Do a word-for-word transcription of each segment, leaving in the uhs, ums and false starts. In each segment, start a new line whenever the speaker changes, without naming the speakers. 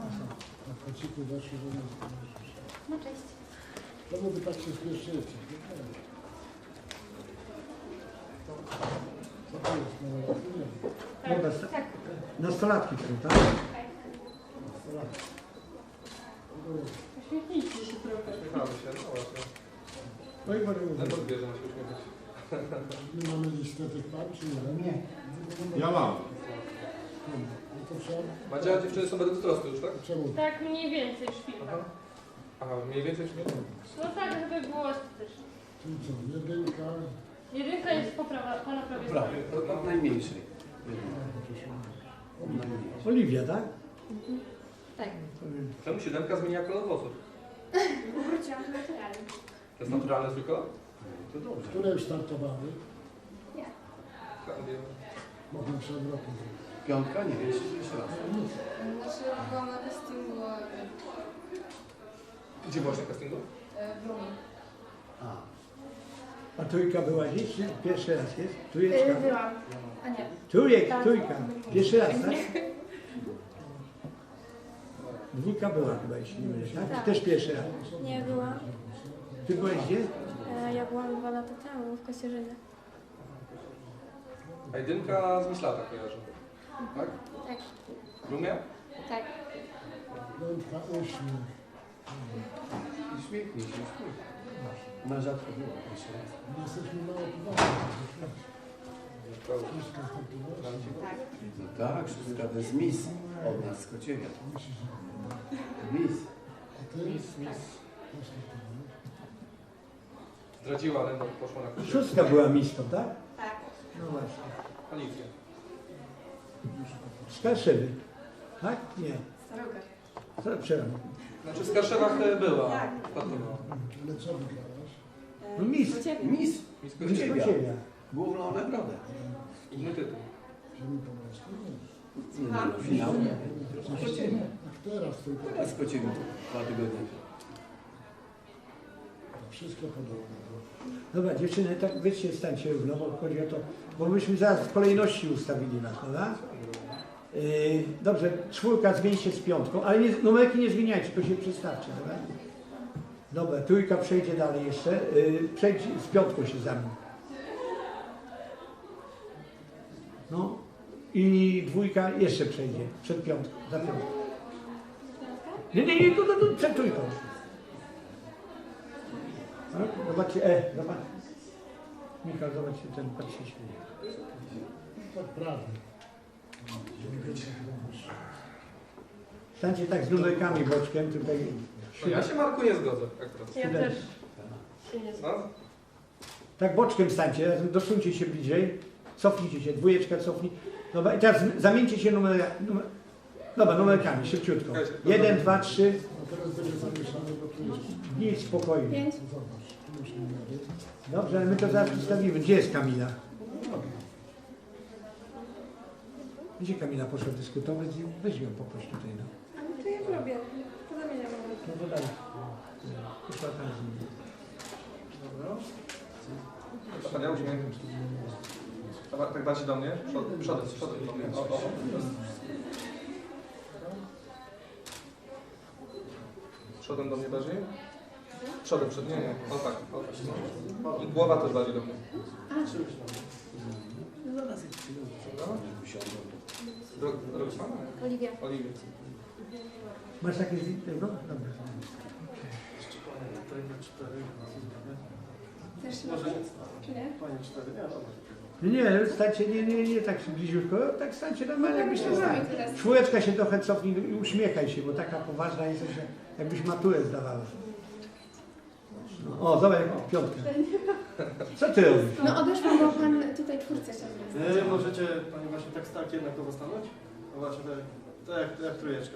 Na kociku weszły do nas.
No cześć.
Czemu wy tak się spieszycie? Co to jest? No, nie wiem.
No, nas,
Tak.
nastolatki są, tak?
Nastolatki.
Uśmiechnijcie się trochę.
Uśmiechamy się, no właśnie.
No i Maryjo,
Na podbierze ma się uśmiechać.
my mamy listę tych par, czy nie? Nie.
Ja mam.
No to trzeba...
Madzia, dziewczyny są bez wzrostu już, tak?
Czemu?
Tak mniej więcej szpilka.
Aha. Aha, mniej więcej śmiechu.
No tak, żeby było estetycznie.
Czyli co? Jedynka...
Jedynka jest po, prawa, po na prawej
Prawie,
stronie.
od najmniejszej.
Oliwia, tak?
Tak.
Czemu siódemka zmienia kolor włosów?
Wróciłam do naturalnie.
To jest naturalny swój kolor?
To dobrze.
Które już startowały?
Ja.
Mogłem przed rokiem zrobić.
Piątka? Nie, jeszcze, jeszcze raz.
Znaczy byłam na castingu
Gdzie byłaś na castingu?
w Brumie.
A,
A trójka była gdzieś? Czy pierwszy raz jest? Trójeczka?
Byłam. A nie.
Trójek,
Tak.
trójka. Pierwszy raz, tak? Dwójka była chyba, jeśli nie mylę, tak?
Tak.
Też pierwszy raz.
Nie byłam.
Ty byłeś gdzie?
E, Ja byłam dwa lata temu w Kosierzynie.
A jedynka z Myślata kojarzy. Tak?
Tak.
W Rumie?
Tak.
Piątka, uśmiech.
uśmiechnij się, uśmiechnij. Na rzadko było, jeszcze raz.
My jesteśmy mało poważni.
Prawda.
Wszystko startowało.
No tak, szóstka to jest mis od nas z Kociewia. Mis.
A ty? Też startowałeś?
Zdradziła, ale no, poszła na kursie.
Szóstka była mistą, tak?
Tak.
No właśnie.
Alicja.
Skarszewy. Tak? Nie.
Starogard.
Co przepraszam.
Znaczy w Skarszewach e, była.
Tak.
Startowała.
Ale co wygrałaś?
No mis.
Mis.
Miss
Mis
Kociewia.
Kociewia.
Główną nagrodę.
Inny tytuł.
Ziemi Pomorskiej? Nie.
Nie, no, finał nie. Kociewia.
Jak teraz tylko.
Teraz Kociewia. Dwa tygodnie.
Wszystko podobne.
Dobra, dziewczyny, tak wyście stańcie równo, bo chodzi o to, bo myśmy zaraz w kolejności ustawili nas, prawda? Yy, dobrze, czwórka zmieni się z piątką, ale nie, numerki nie zmieniajcie, tylko się przestawcie, dobra? Dobra, trójka przejdzie dalej jeszcze, yy, przejdź z piątką się zamień. No i dwójka jeszcze przejdzie, przed piątką, za piątką. Nie, nie, nie, tu, tu, tu, przed trójką. Tak? Zobaczcie, e, zobacz. Michał, zobaczcie, ten patrz się śmieje.
Tak prawie.
Stańcie tak z numerkami boczkiem, tutaj.
No ja się Marku nie zgodzę akurat.
Ja też się nie zgadzam.
No?
Tak boczkiem stańcie, razem dosuńcie się bliżej. Cofnijcie się, dwójeczka cofnij. Dobra, i teraz zamieńcie się numer, numer, dobra, numerkami, szybciutko. Jeden, dwa, trzy.
A teraz będzie zamieszane, bo tu jest...
Nic, spokojnie.
Pięć.
Zobacz, tu już numery.
Dobrze, ale my to zaraz przedstawimy. Gdzie jest Kamila? Gdzie Kamila poszła dyskutować? Weź ją poproś tutaj, no.
A to ja robię. To zamieniam.
No to dalej. Poszła tam z nim.
Dobra. Ja uśmiech. Dobra, tak bardziej do mnie. Przodem, przodem, przodem do mnie. O, o. Przodem do mnie bardziej? Przodem, przed nie, nie. O tak, o tak. No. I głowa też bardziej do mnie. Droga pana?
Oliwia.
Oliwie.
Masz takie zdjęcie? No, dobra.
Też
Może
czy nie?
Pani cztery,
Nie, nie, stańcie, nie, nie, nie tak bliziutko, tak stańcie normalnie, jakbyście stali.
teraz.
Czwóreczka się trochę cofnij i uśmiechaj się, bo taka poważna jest, że jakbyś maturę zdawała. No, o, zobacz, piątka. Co ty robisz?
No odeszłam, bo pan tutaj czwórce chciał zrobić.
Nie, możecie Pani właśnie tak starcie jednakowo stanąć? No właśnie tak, tak jak, jak trójeczka.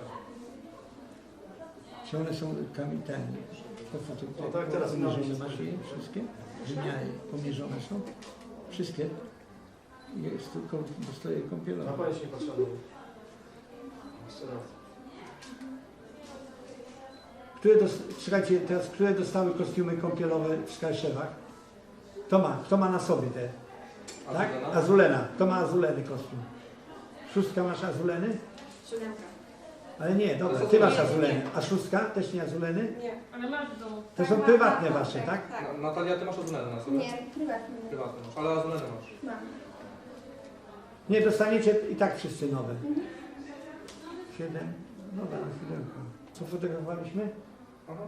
Czy one są kamitami? Po foto,
No tak, teraz
pomierzone masz je wszystkie? Wymiary pomierzone są? Wszystkie? Jest tylko dostaje
Na
kąpielowe.
Pani się nie patrzyła. Jeszcze raz.
Które dos- Słuchajcie, teraz, które dostały kostiumy kąpielowe w Skarszewach? Kto ma? Kto ma na sobie te? Tak?
Azulena?
Azulena. Kto ma azuleny kostium? Szóstka masz azuleny?
Siódemka.
Ale nie, dobra, ty masz azuleny. A szóstka? Też nie azuleny?
Nie.
Ale masz w domu.
To są prywatne wasze, tak?
Tak.
Na- Natalia, ty masz azuleny na sobie?
Nie, prywatnie.
Prywatne masz, ale azuleny masz.
Mam.
Nie, dostaniecie i tak wszyscy nowe. Siedem. Dobra, siódemka. Co fotografowaliśmy?
Aha.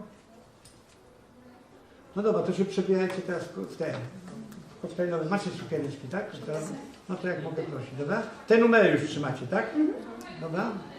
No dobra, to się przebierajcie teraz w te koktajlowe. Macie sukieneczki, tak? To, no to jak mogę prosić, dobra? Te numery już trzymacie, tak? Dobra?